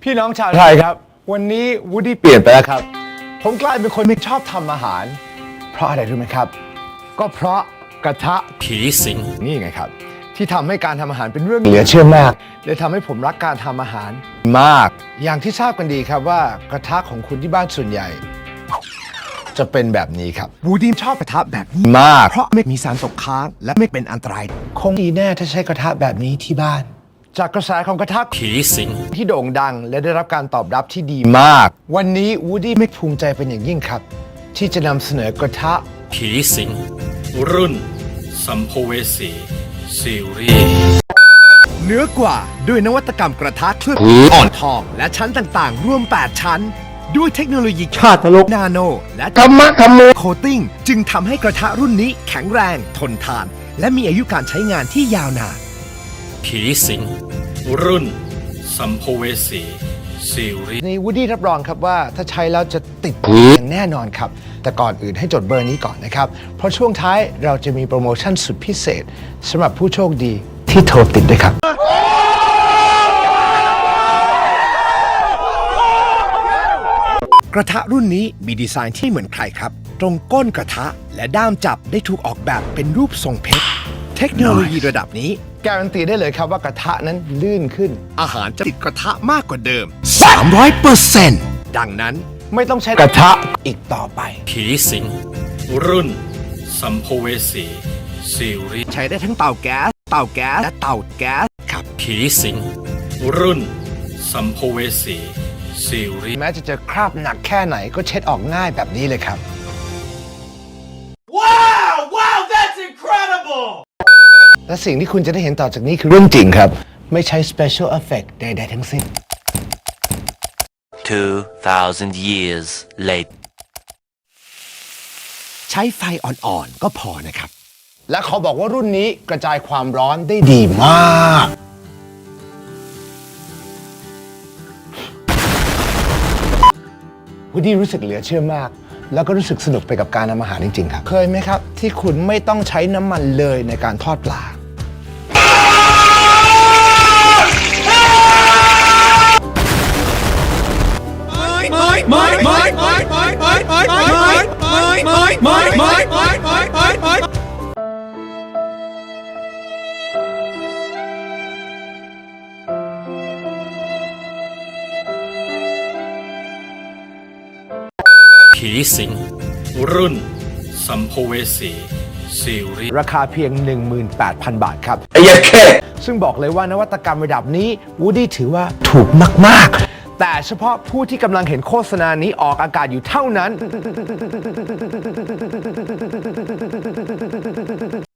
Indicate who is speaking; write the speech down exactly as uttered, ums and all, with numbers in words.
Speaker 1: พี่น้องชาวไทยครับวันนี้วูดดี้เปลี่ยนไปแล้วครับผมกลายเป็นคนไม่ชอบทำอาหารเพราะอะไรรู้ไหมครับก็เพราะกระทะ
Speaker 2: ผีสิง
Speaker 1: นี่ไงครับที่ทำให้การทำอาหารเป็นเรื่องเหลือเชื่อมากเลยทำให้ผมรักการทำอาหารมากอย่างที่ทราบกันดีครับว่ากระทะของคุณที่บ้านส่วนใหญ่ จะเป็นแบบนี้ครับวูดดี้ชอบกระทะแบบนี้มากเพราะไม่มีสารตกค้างและไม่เป็นอันตรายคงดีแน่ถ้าใช้กระทะแบบนี้ที่บ้านจากกระแสของกระทะ
Speaker 2: ผีสิง
Speaker 1: ที่โด่งดังและได้รับการตอบรับที่ดีมาก วันนี้วูดดี้ไม่ภูมิใจเป็นอย่างยิ่งครับ ที่จะนำเสนอกระทะ
Speaker 2: ผีสิง รุ่น สัมภเวสี ซีรีส์
Speaker 1: เนื้อกว่าด้วยนวัตกรรมกระทะเคลือบอ่อนทอง และชั้นต่างๆ รวม แปด ชั้น ด้วยเทคโนโลยีชาติลกนาโน และธรรมะธรรมโมโคตติ้งจึงทำให้กระทะรุ่นนี้แข็งแรง ทนทาน และมีอายุการใช้งานที่ยาวนาน
Speaker 2: ผีสิง รุ่น สัมภเวสี ซีรีส์
Speaker 1: ในวูดดี้รับรองครับว่าถ้าใช้แล้วจะติดอย่างแน่นอนครับ แต่ก่อนอื่นให้จดเบอร์นี้ก่อนนะครับ เพราะช่วงท้ายเราจะมีโปรโมชั่นสุดพิเศษสำหรับผู้โชคดีที่โทรติดด้วยครับ กระทะรุ่นนี้มีดีไซน์ที่เหมือนใครครับ ตรงก้นกระทะและด้ามจับได้ถูกออกแบบเป็นรูปทรงเพชร เทคโนโลยีระดับนี้การันตีได้เลยครับว่ากระทะนั้นลื่นขึ้น อาหารจะติดกระทะมากกว่าเดิม สามร้อยเปอร์เซ็นต์ ดังนั้นไม่ต้องใช้กระทะอีกต่อไป
Speaker 2: ผีสิง รุ่น สัมภเวสี ซีรีส์
Speaker 1: ใช้ได้ทั้งเตาแก๊ส เตาแก๊ส และเตาแก๊สครับ
Speaker 2: ผีสิง รุ่น สัมภเวสี ซีรีส์
Speaker 1: แม้จะเจอคราบหนักแค่ไหนก็เช็ดออกง่ายแบบนี้เลยครับ
Speaker 3: Wow! Wow, that's incredible!
Speaker 1: และสิ่งที่คุณจะได้เห็นต่อจากนี้คือเรื่องจริงครับ ไม่ใช้ special effect ใดๆทั้งสิ้น
Speaker 4: Two thousand years later.
Speaker 1: ใช้ไฟอ่อนๆ ก็พอนะครับ และขอบอกว่ารุ่นนี้กระจายความร้อนได้ดีมากวูดดี้รู้สึกเหลือเชื่อมาก แล้วก็รู้สึกสนุกไปกับการทำอาหารจริงๆครับ เคยไหมครับ ที่คุณไม่ต้องใช้น้ำมันเลยในการทอดปลา
Speaker 2: ผีสิง รุ่น สัมภเวสี ซีรีส์
Speaker 1: ราคาเพียง หนึ่งหมื่นแปดพัน บาทครับ ซึ่งบอกเลยว่านวัตกรรมระดับนี้วูดดี้ถือว่าถูกมากๆ แต่เฉพาะผู้ที่กำลังเห็นโฆษณานี้ออกอากาศอยู่เท่านั้น